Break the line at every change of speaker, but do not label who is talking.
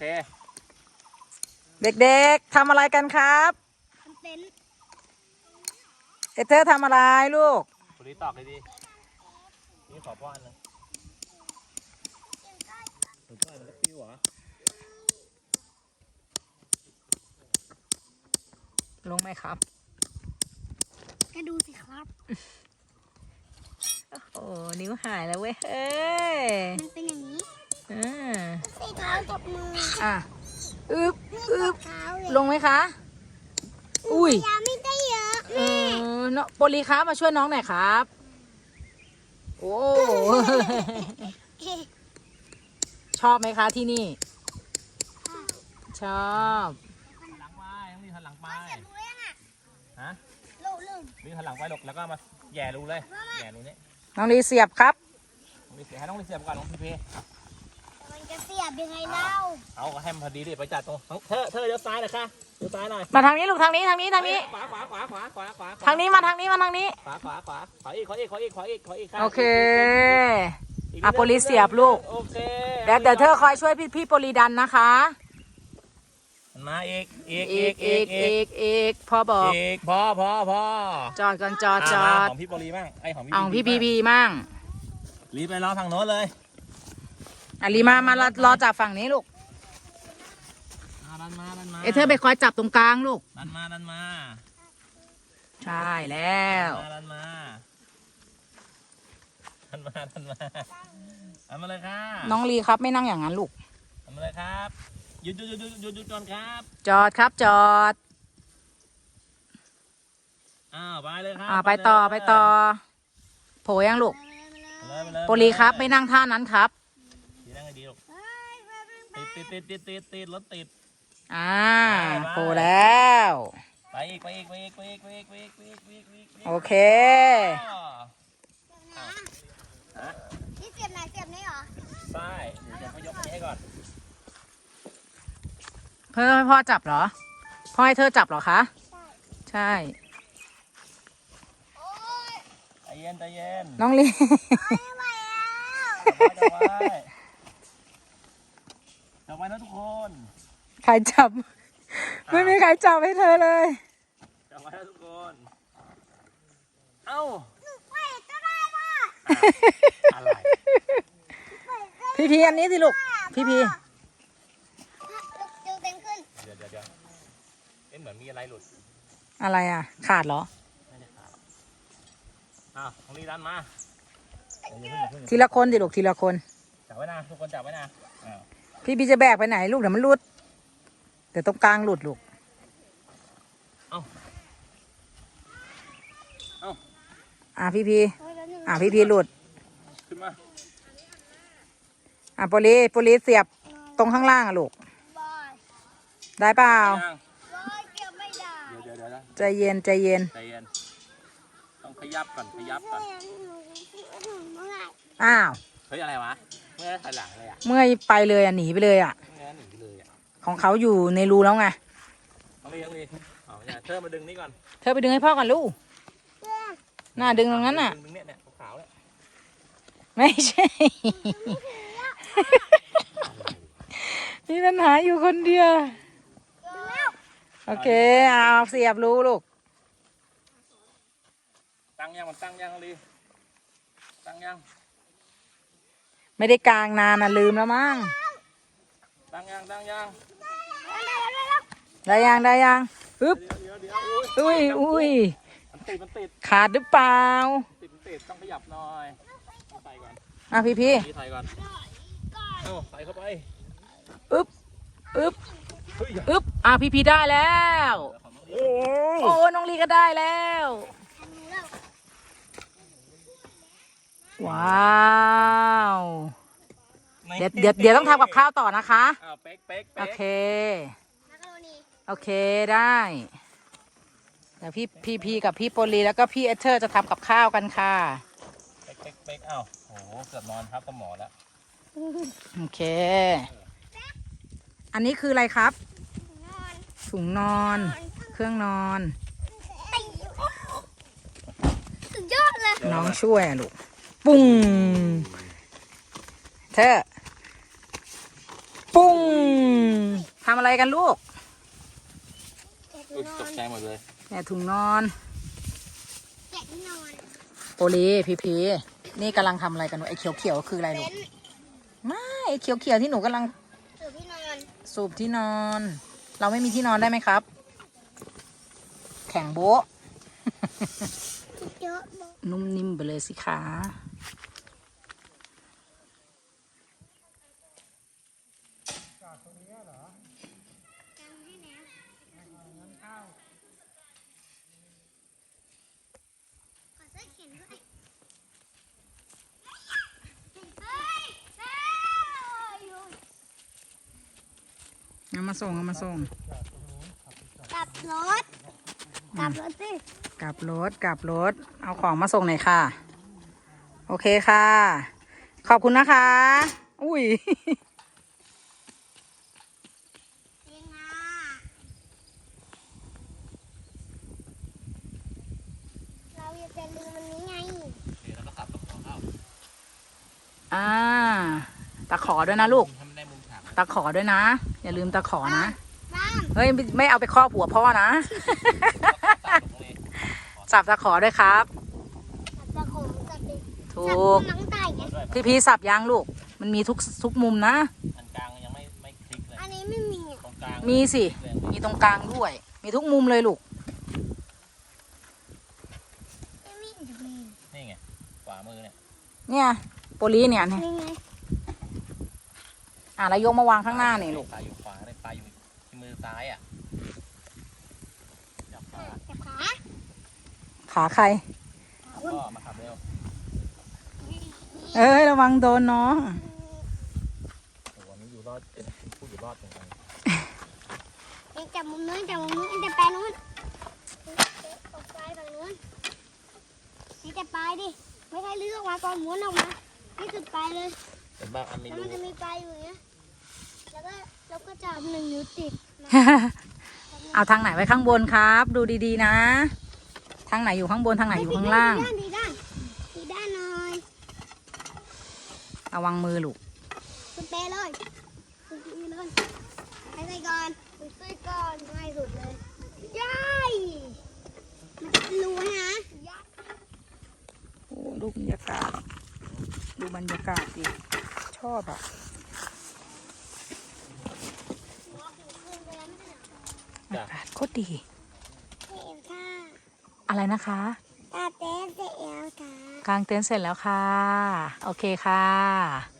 เด็กๆทำอะไรกันครับเต็นท์เธอทำอะไรลูก
คนนี้ตอกเลยดินี่ขอป้อนเลยหนูป้อนมันแล้วปิ้วเหรอ
ลงไหมครับ
ก็ดูสิครับ
โอ้โหนิ้วหายแล้วเว้ยเอ้ย
มันเป็นอย่างนี้
สี
เท้าจับมือ
อึบลงไหมคะอุ้ย
ยาไม่ได้เยอะ
เนาะโปลีครับมาช่วยน้องหน่อยครับโอ้ชอบไหมคะที่นี่ชอบ
หลังไปต้องมีหันหลังไปฮะมีหันหลังไปหลกแล้วก็มาแย่รูเลยแย่รูนี้
น้องลีเสียบครับ
ให้น้องลีเสียบก่อนน้องพี
มันจะเสียบยังไงเล่า
เอาให้มันพอดีดิไปจัดตรงเธอเลี้ยวซ้ายหน่อยค่ะเลี้ยวซ้ายหน่อย
มาทางนี้ลูกทางนี้
ขวา
ทางนี้มาทางนี้ขวาอีกโอเคโปลีเสียบลูกเดี๋ยวเธอคอยช่วยพี่โปลีดันนะคะ
มาอีก
พ่อบอก
พอ
จอดก่อนจอด
ของพี่โปลีมั่ง
ของพี่บีมั่ง
รีบไปรอฝั่งโน้นเลย
ลีมารอจับฝั่งนี้ลูก
ดันมา
เธอไปคอยจับตรงกลางลูก
ดันมา
ใช่แล้ว
ดันมาเลยครับ
น้องลีครับไม่นั่งอย่างนั้นลูก
ทำอะไรครับหยุดก่อนครับ
จอดครับจอด
ไปเลยครับ
ไปต่อโผล่ยังลูกโปลีครับไม่นั่งท่านั้นครับ
นั่งให้ดีลูกติดรถติด
โผล่แล้ว
ไปอีก
โอเค
นี่เสียบไหนเสียบนี่เหรอ
ใช่เดี๋ยวเขายกนี้ให้ก่อน
เพื่อให้พ่อจับเหรอพ่อให้เธอจับเหรอคะใช่
ใจเย็น
น้องลี
จับไว้นะทุกคน
ใครจับไม่มีใครจับให้เธอเลย
จับไว้นะทุกคนเอ้า
ไปก็ได้ป่ะ
อะไร
พี่อันนี้สิลูกพี่
ดูเต็มขึ้น
เดี๋ยวเหมือนมีอะไรหลุด
อะไรขาดเหรอ
ไม่ได้ขาดของลีดันมา
ทีละคนดิลูกทีละคน
จับไว้นะทุกคนจับไว้นะ
พี่จะแบกไปไหนลูกเดี๋ยวมันหลุดเดี๋ยวตรงกลางหลุดลูกพี่หลุด
ขึ้นมา
โปลีเสียบตรงข้างล่างลูกได้เปล่าใจเย็น
ต้องขยับก่อน
เฮ้ย
อะไรวะเมื่อถอยหลังเลย
เมื่อยไปเลยหนีไปเลยของเขาอยู่ในรูแล้วไง
เธอมาดึงนี่ก่อน
เธอไปดึงให้พ่อก่อนลูกน่าดึงตรงนั้น
ดึงเนี่ยขาวเลย
ไม่ใช่มีปัญหาอยู่คนเดียวโอเคเอาเสียบรูลูก
ตั้งยังลีตั้งยัง
ไม่ได้กลางนานลืมแล้วมั้ง
ตั้งยัง
ได้ยังปึ๊บอุ้ย
มันติด
ขาดหรือเปล่า
ติดต้องขยับหน่อยใส่ก่อน
พี่
ใส่ก่อนใส่เข้าไป
อึ๊บพี่ได้แล้วโอ้น้องลีก็ได้แล้วว้าวเดี๋ยวต้องทำกับข้าวต่อนะคะโอเคได้เดี๋ยวพี่กับพี่โปลีแล้วก็พี่เอเธอร์จะทำกับข้าวกันค่ะ
เป๊กโอ้โหเกือบนอนครับกับหมอแล้ว
โอเคอันนี้คืออะไรครับถุงนอนเครื่องนอน
สุดยอดเลย
น้องช่วยลูกปุ้งเธอปุ้งทำอะไรกันลูก
แกะ
อุ๊ย
ที่น
ต
อก น
ใจหมดเลย
แม่ถุงนอน
แกะที่นอน
โอลีพีนี่กำลังทำอะไรกันวะไอ้เขียวๆคืออะไรลู
เต็
ก
นท์
ไม่ไอ้เขียวๆที่หนูกำลัง
ถือที่นอน
สูบที่นอน เราไม่มีที่นอนได้ไหมครับ แข่งโบ๊ะ
เยอะบอก
นุ่มนิ่มไปเลยสิคะ
จังให้แล้วขอเสื้อเขียนด้วยเฮ้ยเฮ้ย
เอามาส่งเอามาส่ง
กลับรถกลับรถสิ
กลับรถ เอาของมาส่งหน่อยค่ะ โอเคค่ะ ขอบคุณนะคะ อุ้ย
เองอ่ะเราอย่าจะลืมมันนี้ไง
โอเคแล้วก็ขับตะขอเข้า
ตะขอด้วยนะลูก
ทำได้มุมฉาก
ตะขอด้วยนะ อย่าลืมตะขอนะ
บ้าม
เฮ้ยไม่เอาไปครอบหัวพ่อนะ สับตะขอด้วยครับ
จับตะขมจับดิ
ถู
จับ
ก
น้องไต่ไง
พี่สับยางลูก มันมีทุกมุมนะ
อันกลางยังไม่คลิกเลย
อันนี้ไม่มีอ่ะ
ตรงกลาง
มีสิ
เลย
มีตรงกลางด้วย มีทุกมุมเลยลูก
ไม่มีจะมี
นี่ไงขวามือเนี่ย
เนี่ยโปลีเนี่ย
นี่ไง
แล้วยกมาวางข้างหน้านี่ลูก
ปลาอยู่ขวาเลยปลาอยู่ที่มือซ้ายอ่ะจับขา
จับขา
ขาใคร
ก็มาขับเร็ว
เอ้ยระวังโดนน้อง
โอ้โหนี่อยู่รอดเป็นผู้อยู่รอดเหมือนกัน
เองจับมุมนู้นจับมุมนู้นเองจะไปนู้นตกไปฝั่งนู้นนี่จะไปดิไม่ใช่เลือกมาก่อนหมุนออกมานี่สุดไปเลย
เห็นบ้างอันมี
แล้ว
รู
มันจะมีปลายอยู่อย่างเงี้ย แล้วก็จับ1 นิ้วติดนะ
เอาทางไหนไว้ข้างบนครับ ดูดีๆนะ ทางไหนอยู่ข้างบนทางไหนอยู่ข้างล่าง
ดีด้านหน่อย
ระวังมือลูก
คุณเปเลยคุณปีเลยให้ใส่ก่อนคุณใส่ก่อนง่ายสุดเลยย่ายมันรู้นะย่าย
โอ้ดูบรรยากาศ ดูบรรยากาศดิชอบอ่ะ
หัวหูขึ้นไปแล้วไม่ใช่เหรอ
อากาศโคตรดี
เอ็มค่ะ
อะไรนะคะ
ตาเต้นเสร็จแล้วค่ะ
กางเต็นท์เสร็จแล้วค่ะ โอเคค่ะ